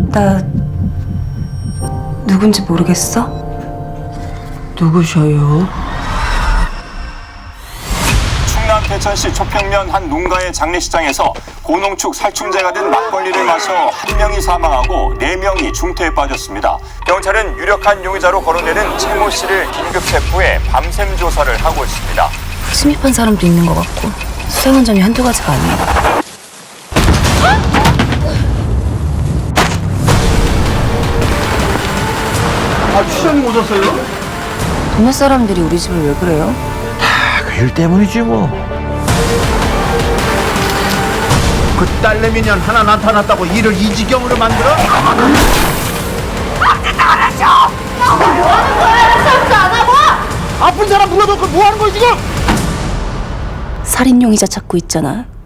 나 누군지 모르겠어? 누구셔요? 충남 대천시 초평면 한 농가의 장례식장에서 고농축 살충제가 된 막걸리를 마셔 한 명이 사망하고 4명이 중태에 빠졌습니다. 경찰은 유력한 용의자로 거론되는 최 모 씨를 긴급 체포해 밤샘 조사를 하고 있습니다. 침입한 사람도 있는 것 같고 수상한 점이 한두 가지가 아니야. 시장님 오셨어요? 동네 사람들이 우리 집을 왜 그래요? 그 일 때문이지 뭐. 그 딸내미년 하나 나타났다고 일을 이 지경으로 만들어? 아픈 사람 불러놓고 뭐 하는 거야 지금? 살인 용의자 찾고 있잖아.